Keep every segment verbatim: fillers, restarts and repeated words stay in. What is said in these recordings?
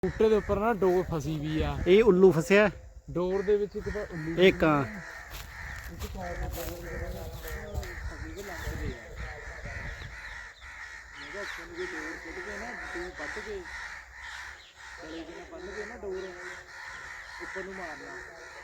ਬੂਟੇ ਦੇ ਉੱਪਰ ਨਾ ਡੋਰ ਫਸੀ ਵੀ ਆ। ਇਹ ਉੱਲੂ ਫਸਿਆ ਡੋਰ ਦੇ ਵਿੱਚ ਇੱਕ ਤਾਂ ਉੱਲੂ ਇਹ ਕਾਂ ਉੱਪਰ ਨੂੰ ਮਾਰਨਾ।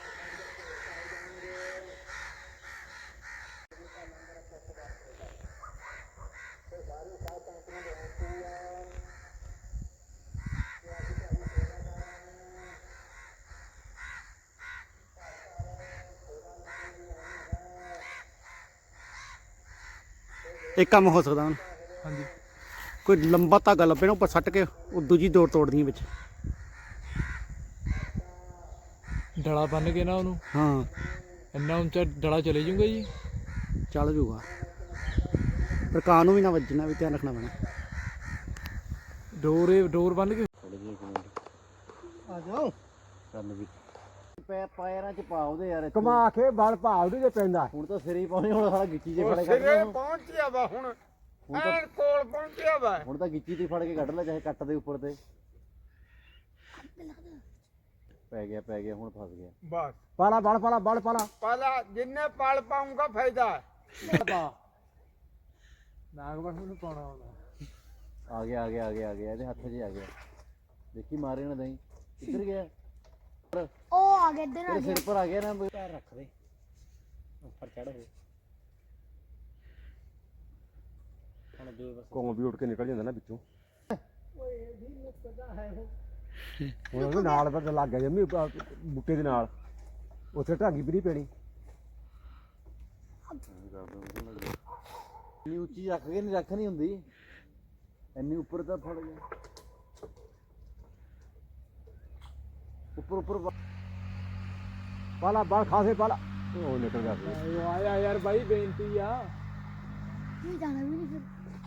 ਇੱਕ ਕੰਮ ਹੋ ਸਕਦਾ ਹੁਣ ਹਾਂਜੀ ਕੋਈ ਲੰਬਾ ਧਾਗਾ ਲੱਭੇ ਨਾ ਉੱਪਰ ਸੱਟ ਕੇ ਉਹ ਦੂਜੀ ਡੋਰ ਤੋੜਦੀ ਵਿੱਚ ਡਲਾ ਬੰਨ ਕੇ ਨਾ ਉਹਨੂੰ। ਹਾਂ ਇੰਨਾ ਉੱਚਾ ਡਲਾ ਚਲੇ ਜੂਗਾ ਜੀ। ਚੱਲ ਜੂਗਾ ਪਰ ਕਾਂ ਨੂੰ ਵੀ ਨਾ ਵੱਜਣਾ ਵੀ ਧਿਆਨ ਰੱਖਣਾ ਪੈਣਾ। ਡੋਰ ਡੋਰ ਬੰਨ ਕੇ ਆ ਜਾਓ ਕੰਨ ਵੀ ਪੈ ਪੈਰਾਂ ਚ ਪਾ ਉਹਦੇ ਯਾਰ ਕਮਾ ਕੇ ਬਲ ਭਾਵ ਦੇ ਪੈਂਦਾ। ਹੁਣ ਤਾਂ ਸਿਰੇ ਹੀ ਪਾਉਣੇ ਹੁਣ ਸਾਰਾ ਗਿੱਚੀ ਚ ਫੜ ਕੇ ਸਿਰੇ ਪਹੁੰਚਿਆ ਵਾ ਹੁਣ ਐਨ ਕੋਲ ਪਹੁੰਚਿਆ ਵਾ। ਹੁਣ ਤਾਂ ਗਿੱਚੀ ਤੇ ਫੜ ਕੇ ਕੱਢ ਲੈ ਚਾਹੇ ਕੱਟ ਦੇ ਉੱਪਰ ਤੇ ਪੈ ਗਿਆ ਪੈ ਗਿਆ ਹੁਣ ਫਸ ਗਿਆ ਬਸ ਪਾਲਾ ਬਲ ਪਾਲਾ ਬਲ ਪਾਲਾ ਪਾਲਾ ਜਿੰਨੇ ਪਲ ਪਾਉਂਗਾ ਫਾਇਦਾ ਨਾਗਵਰ ਨੂੰ ਪਾਉਣਾ ਹੁੰਦਾ। ਆ ਗਿਆ ਆ ਗਿਆ ਆ ਗਿਆ ਆ ਗਿਆ ਇਹਦੇ ਹੱਥ 'ਚ ਆ ਗਿਆ ਦੇਖੀ ਮਾਰੇ ਨਾ ਦਈ ਕਿੱਧਰ ਗਿਆ ਉਹ ਆ ਗਿਆ ਇੱਧਰ ਆ ਤੇਰੇ ਗਿਆ। ਸਿਰ ਪਰ ਆ ਗਿਆ ਨਾ ਪੈਰ ਰੱਖ ਦੇ ਉੱਪਰ ਚੜ ਹੋ ਹੁਣ ਦੇ ਬਸ ਕੋਂ ਵੀ ਉੱਡ ਕੇ ਨਿਕਲ ਜਾਂਦਾ ਨਾ ਵਿੱਚੋਂ। ਹੁਣ ਉਹਦੇ ਨਾਲ ਪਰ ਲੱਗ ਗਿਆ ਜੰਮੀ ਬੂਟੇ ਦੇ ਨਾਲ ਉੱਥੇ ਢਾਗੀ ਵੀ ਨਹੀਂ ਪੈਣੀ। ਇੰਨੀ ਉੱਚੀ ਰੱਖ ਕੇ ਨਹੀਂ ਰੱਖ ਨਹੀਂ ਹੁੰਦੀ ਇੰਨੀ ਉੱਪਰ ਤਾਂ ਫੜ ਗਿਆ ਉੱਪਰ ਉੱਪਰ ਪਾਲਾ ਬਲ ਖਾਸੇ ਪਾਲਾ ਉਹ ਨਿਕਲ ਗਿਆ ਆਇਆ ਯਾਰ ਬਾਈ ਬੇਨਤੀ ਆ। ਨਹੀਂ ਜਾਣਾ ਵੀ ਨਹੀਂ ਫਿਰ।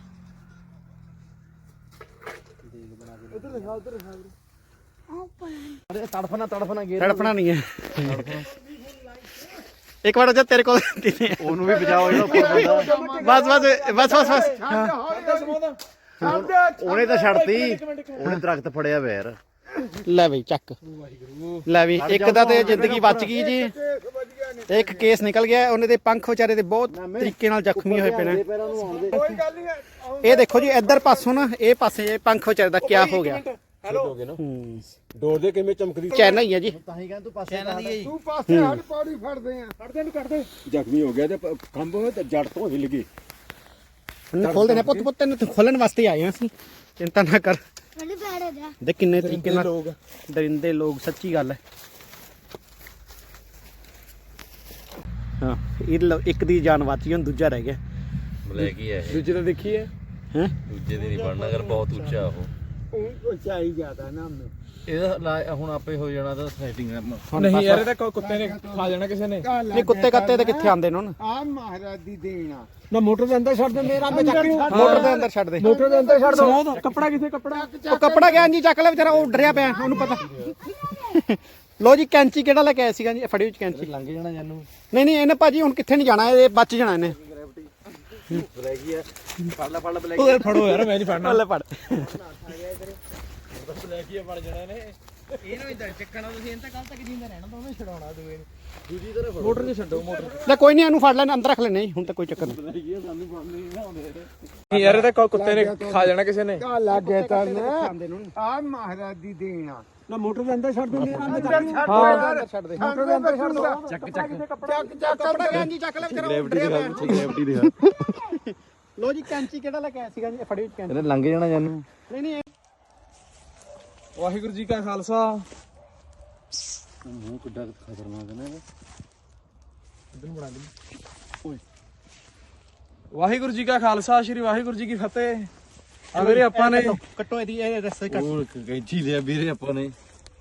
ਉਧਰ ਦਿਖਾ ਉਧਰ ਦਿਖਾ। ਆਹ ਪਰ ਅਰੇ ਤੜਫਣਾ ਤੜਫਣਾ ਗੇਰ ਤੜਫਣਾ ਨਹੀਂ ਹੈ ਇੱਕ ਵਾਰ ਜੇ ਤੇਰੇ ਕੋਲ ਉਹਨੂੰ ਵੀ ਬਚਾਓ ਜਿਹੜਾ ਉੱਪਰ ਬੰਦਾ ਬਸ ਬਸ ਬਸ ਬਸ ਬਸ ਹਾਂ ਉਹਨੇ ਤਾਂ ਛੱਡਤੀ ਉਹਨੇ ਦਰਖਤ ਫੜਿਆ ਵੈਰ ਲੈ ਬਈ ਚੱਕ ਲੈ ਵੀ ਇੱਕ ਦਾ ਤੇ ਜ਼ਿੰਦਗੀ ਬਚ ਗਈ ਜੀ ਤੇ ਇੱਕ ਕੇਸ ਨਿਕਲ ਗਿਆ ਉਹਨੇ ਦੇ ਪੰਖ ਵਿਚਾਰੇ ਦੇ ਬਹੁਤ ਤਰੀਕੇ ਨਾਲ ਜ਼ਖਮੀ ਹੋਏ ਪਏ ਨੇ ਪੈਰਾਂ ਨੂੰ ਆਉਣ ਦੇ ਕੋਈ ਗੱਲ ਨਹੀਂ। ਇਹ ਦੇਖੋ ਜੀ ਇੱਧਰ ਪਾਸੋਂ ਨਾ ਇਹ ਪਾਸੇ ਇਹ ਪੰਖ ਵਿਚਾਰੇ ਦਾ ਕਿਆ ਹੋ ਗਿਆ ਹੈਲੋ ਹੂੰ ਡੋਰ ਦੇ ਕਿਵੇਂ ਚਮਕਦੀ ਚੈਨਾ ਹੀ ਹੈ ਜੀ ਤਾਂ ਹੀ ਕਹਿੰਦਾ ਤੂੰ ਪਾਸੇ ਲਾ ਦੇ ਤੂੰ ਪਾਸੇ ਹੱਡ ਪੌੜੀ ਫੜਦੇ ਆ ਫੜਦੇ ਨੂੰ ਕੱਢਦੇ ਜ਼ਖਮੀ ਹੋ ਗਿਆ ਤੇ ਕੰਬ ਹੋਏ ਤੇ ਜੜ ਤੋਂ ਹਿੱਲ ਗਈ। ਹੁਣ ਖੋਲ ਦੇਣਾ ਪੁੱਤ ਪੁੱਤ ਤੈਨੂੰ ਖੋਲਣ ਵਾਸਤੇ ਆਏ ਹਾਂ ਅਸੀਂ ਚਿੰਤਾ ਨਾ ਕਰ ਪਹਿਲੇ ਪੈਰ ਹੋ ਜਾ। ਦੇ ਕਿੰਨੇ ਤਰੀਕੇ ਨਾਲ ਲੋਕ ਦਰਿੰਦੇ ਲੋਕ ਸੱਚੀ ਗੱਲ ਹੈ ਹਾਂ ਇਹ ਲਓ, ਇੱਕ ਦੀ ਜਾਨ ਬਚੀ ਹੁਣ ਦੂਜਾ ਰਹਿ ਗਿਆ ਬਲੈਕ ਹੀ ਹੈ ਦੂਜੇ ਤਾਂ ਦੇਖੀਏ ਹੈ ਦੂਜੇ ਦੀ ਨਹੀਂ ਬਣਨਾ ਅਗਰ ਬਹੁਤ ਉੱਚਾ ਉਹ ਉਹ ਉਚਾਈ ਜ਼ਿਆਦਾ ਨਾ ਉਹਨੂੰ। ਇਹਦਾ ਲਾ- ਹੁਣ ਆਪੇ ਹੋ ਜਾਣਾ ਤਾਂ ਸੈਟਿੰਗ ਨਹੀਂ ਯਾਰ ਇਹ ਤਾਂ ਕੋਈ ਕੁੱਤੇ ਨੇ ਖਾ ਜਾਣਾ ਕਿਸੇ ਨੇ। ਨਹੀਂ ਕੁੱਤੇ ਕੱਤੇ ਤੇ ਕਿੱਥੇ ਆਉਂਦੇ ਨੇ ਹੁਣ ਆ ਮਹਾਰਾਜ ਦੀ ਦੇਣਾ ਨਾ ਮੋਟਰ ਦੇ ਅੰਦਰ ਛੱਡ ਦੇ ਮੇਰਾ ਮੈਂ ਚੱਕ ਮੋਟਰ ਦੇ ਅੰਦਰ ਛੱਡ ਦੇ ਮੋਟਰ ਦੇ ਅੰਦਰ ਛੱਡ ਦੋ। ਕੱਪੜਾ ਕਿੱਥੇ ਕੱਪੜਾ ਉਹ ਕੱਪੜਾ ਗਿਆ ਜੀ ਚੱਕ ਲੈ ਵਿਚਾਰਾ ਉਹ ਡਰਿਆ ਪਿਆ ਉਹਨੂੰ ਪਤਾ ਲੋ ਜੀ ਕੈਂਚੀ ਕਿਹੜਾ ਲੈ ਕੇ ਆਇਆ ਸੀਗਾ ਜੀ ਫੜੀ ਵਿੱਚ ਕੈਂਚੀ ਲੰਘ ਜਾਣਾ ਜਾਨੂੰ ਨਹੀਂ ਨਹੀਂ ਇਹਨੇ ਭਾਜੀ ਹੁਣ ਕਿੱਥੇ ਨਹੀਂ ਜਾਣਾ ਇਹ ਬਚ ਜਾਣਾ ਇਹਨੇ ਬਲੈਕ ਹੀ ਆ ਫੜ ਲੈ ਫੜ ਲੈ ਬਲੈਕ ਉਹ ਫੜੋ ਯਾਰ ਮੈਂ ਨਹੀਂ ਫੜਨਾ। ਲੈ ਫੜ ਮੋਟਰ ਨਹੀਂ ਛੱਡੋ ਮੋਟਰ। ਲੈ ਕੋਈ ਨਹੀਂ ਇਹਨੂੰ ਫੜ ਲੈਣਾ ਅੰਦਰ ਰੱਖ ਲੈਣੇ ਹੁਣ ਤਾਂ ਕੋਈ ਚੱਕਰ ਨਹੀਂ ਯਾਰ ਇਹ ਤਾਂ ਕੋਈ ਕੁੱਤੇ ਨੇ ਖਾ ਜਾਣਾ ਕਿਸੇ ਨੇ। ਆ ਲੱਗੇ ਤਾਂ ਆਉਂਦੇ ਨੇ ਆ ਮਹਾਰਾਜ ਦੀ ਦੇਣਾ ਨਾ ਮੋਟਰ ਦੇ ਅੰਦਰ ਛੱਡ ਦੇ ਹਾਂ ਛੱਡ ਦੇ ਮੋਟਰ ਦੇ ਅੰਦਰ ਛੱਡ ਦੋ ਚੱਕ ਚੱਕ ਚੱਕ ਚੱਕ ਕੱਪੜਾ ਗਿਆ ਜੀ ਚੱਕ ਲੈ ਵਿਚਾਰਾ ਉਹ ਡਰਿਆ ਪਿਆ ਗ੍ਰੈਵਿਟੀ ਦਿਖਾ ਲੋ ਜੀ ਕੈਂਚੀ ਕਿਹੜਾ ਲੈ ਕੇ ਆਇਆ ਸੀਗਾ ਜੀ ਫੜੀ ਵਿੱਚ ਕੈਂਚੀ ਇਹਨੇ ਲੰਘ ਜਾਣਾ ਜਾਨੂੰ ਨਹੀਂ ਨਹੀਂ ਵਾਹਿਗੁਰੂ ਜੀ ਕਾ ਖਾਲਸਾ। ਮੂੰਹ ਕਿੱਡਾ ਖਤਰਨਾਕ ਹੈ ਨਾ ਵਾਹਿਗੁਰੂ ਜੀ ਕਾ ਖਾਲਸਾ ਸ਼੍ਰੀ ਵਾਹਿਗੁਰੂ ਜੀ ਕੀ ਫਤਿਹ। ਆ ਵੀਰੇ ਆਪਾਂ ਨੇ ਕੱਟੋ ਇਹਦੀ ਇਹ ਰਸਤੇ ਕੱਟ ਉਹ ਕੈਂਚੀ ਲਿਆ ਵੀਰੇ ਆਪਾਂ ਨੇ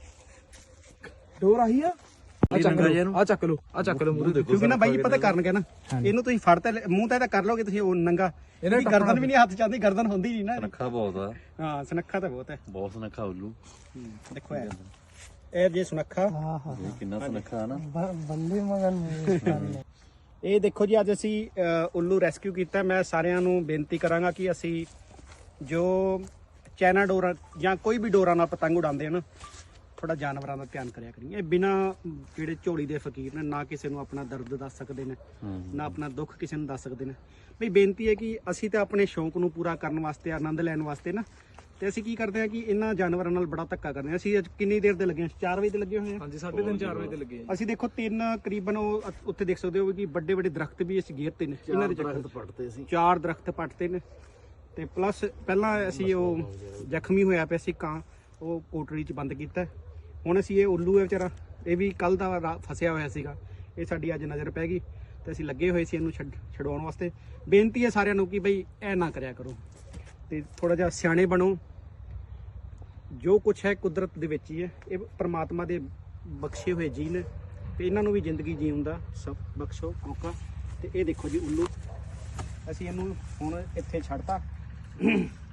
ਡੋਰ ਆਹੀ ਆ ਆ ਚੱਕ ਲਓ ਆ ਚੱਕ ਲਓ ਆ ਚੱਕ ਲਓ ਮੂਰੇ ਦੇਖੋ ਕਿਉਂਕਿ ਨਾ ਬਾਈ ਪਤਾ ਕਰਨਗੇ ਨਾ ਇਹਨੂੰ ਤੁਸੀਂ ਫੜ ਤੇ ਮੂੰਹ ਤੇ ਤਾਂ ਕਰ ਲੋਗੇ ਤੁਸੀਂ ਉਹ ਨੰਗਾ ਇਹਦੀ ਗਰਦਨ ਵੀ ਨਹੀਂ ਹੱਥ ਚਾਹਦੀ ਗਰਦਨ ਹੁੰਦੀ ਨਹੀਂ ਨਾ ਨੱਖਾ ਬਹੁਤ ਆ ਹਾਂ ਸੁਨੱਖਾ ਤਾਂ ਬਹੁਤ ਹੈ ਬਹੁਤ ਸੁਨੱਖਾ ਉੱਲੂ ਦੇਖੋ ਇਹ ਇਹ ਜੇ ਸੁਨੱਖਾ ਇਹ ਕਿੰਨਾ ਸੁਨੱਖਾ ਨਾ ਬੰਦੇ ਮਗਨ ਇਹ ਦੇਖੋ ਜੀ ਅੱਜ ਅਸੀਂ ਅ, ਉੱਲੂ ਰੈਸਕਿਊ ਕੀਤਾ। ਮੈਂ ਸਾਰਿਆਂ ਨੂੰ ਬੇਨਤੀ ਕਰਾਂਗਾ ਕਿ ਅਸੀਂ ਜੋ ਚਾਈਨਾ ਡੋਰਾਂ ਜਾਂ ਕੋਈ ਵੀ ਡੋਰਾਂ ਨਾਲ ਪਤੰਗ ਉਡਾਉਂਦੇ ਹਨ ਥੋੜਾ ਜਾਨਵਰਾਂ ਦਾ ਧਿਆਨ ਕਰਿਆ ਕਰੀਏ। ਇਹ ਬਿਨਾ ਜਿਹੜੇ ਝੋਲੀ ਦੇ ਫਕੀਰ ਨੇ ਨਾ ਕਿਸੇ ਨੂੰ ਆਪਣਾ ਦਰਦ ਦੱਸ ਸਕਦੇ ਨੇ ਨਾ ਆਪਣਾ ਦੁੱਖ ਕਿਸੇ ਨੂੰ ਦੱਸ ਸਕਦੇ ਨੇ। ਬਈ ਬੇਨਤੀ ਹੈ ਕਿ ਅਸੀਂ ਤਾਂ ਆਪਣੇ ਸ਼ੌਂਕ ਨੂੰ ਪੂਰਾ ਕਰਨ ਵਾਸਤੇ ਆਨੰਦ ਲੈਣ ਵਾਸਤੇ ਨਾ ਤੇ ਅਸੀਂ ਕੀ ਕਰਦੇ ਹਾਂ ਕਿ ਇਹਨਾਂ ਜਾਨਵਰਾਂ ਨਾਲ ਬੜਾ ਧੱਕਾ ਕਰਦੇ ਹਾਂ। ਅਸੀਂ ਅੱਜ ਕਿੰਨੀ ਦੇਰ ਦੇ ਲੱਗੇ ਹਾਂ? ਚਾਰ ਵਜੇ ਦੇ ਲੱਗੇ ਹੋਏ ਹਾਂ। ਹਾਂਜੀ ਸਾਢੇ ਤਿੰਨ ਚਾਰ ਵਜੇ ਤੇ ਲੱਗੇ ਆ ਅਸੀਂ ਦੇਖੋ ਤਿੰਨ ਕਰੀਬਨ ਉਹ ਅ- ਉੱਥੇ ਦੇਖ ਸਕਦੇ ਹੋ ਕਿ ਵੱਡੇ ਵੱਡੇ ਦਰਖਤ ਵੀ ਅਸੀਂ ਗੇਰਤੇ ਨੇ ਇਹਨਾਂ ਦੇ ਚੱਕਰ 'ਚ। ਪੜਤੇ ਸੀ ਚਾਰ ਦਰਖਤ ਪੱਟਦੇ ਨੇ ਤੇ ਪਲੱਸ ਪਹਿਲਾਂ ਅਸੀਂ ਉਹ ਜ਼ਖਮੀ ਹੋਇਆ ਪਿਆ ਸੀ ਕਾਂ, ਉਹ ਕੋਟੜੀ 'ਚ ਬੰਦ ਕੀਤਾ। ਹੁਣ ਅਸੀਂ ਇਹ ਉੱਲੂ ਹੈ ਵਿਚਾਰਾ, ਇਹ ਵੀ ਕੱਲ ਦਾ ਰਾ- ਫਸਿਆ ਹੋਇਆ ਸੀਗਾ, ਇਹ ਸਾਡੀ ਅੱਜ ਨਜ਼ਰ ਪੈ ਗਈ ਤੇ ਅਸੀਂ ਲੱਗੇ ਹੋਏ ਸੀ ਇਹਨੂੰ ਛੱਡ ਛਡਵਾਉਣ ਵਾਸਤੇ। ਬੇਨਤੀ ਹੈ ਸਾਰਿਆਂ ਨੂੰ ਕਿ ਬਈ ਇਹ ਨਾ ਕਰਿਆ ਕਰੋ ਤੇ ਥੋੜਾ ਜਿਹਾ ਸਿਆਣੇ ਬਣੋ। ਜੋ ਕੁਝ ਹੈ ਕੁਦਰਤ ਦੇ ਵਿੱਚ ਹੀ ਹੈ, ਇਹ ਪ੍ਰਮਾਤਮਾ ਦੇ ਬਖਸ਼ੇ ਹੋਏ ਜੀਅ ਨੇ ਤੇ ਇਹਨਾਂ ਨੂੰ ਵੀ ਜ਼ਿੰਦਗੀ ਜੀਉਣ ਦਾ ਸਭ ਬਖਸ਼ੋ ਮੌਕਾ। ਤੇ ਇਹ ਦੇਖੋ ਜੀ ਉੱਲੂ, ਅਸੀਂ ਇਹਨੂੰ ਹੁਣ ਇੱਥੇ ਛੱਡਤਾ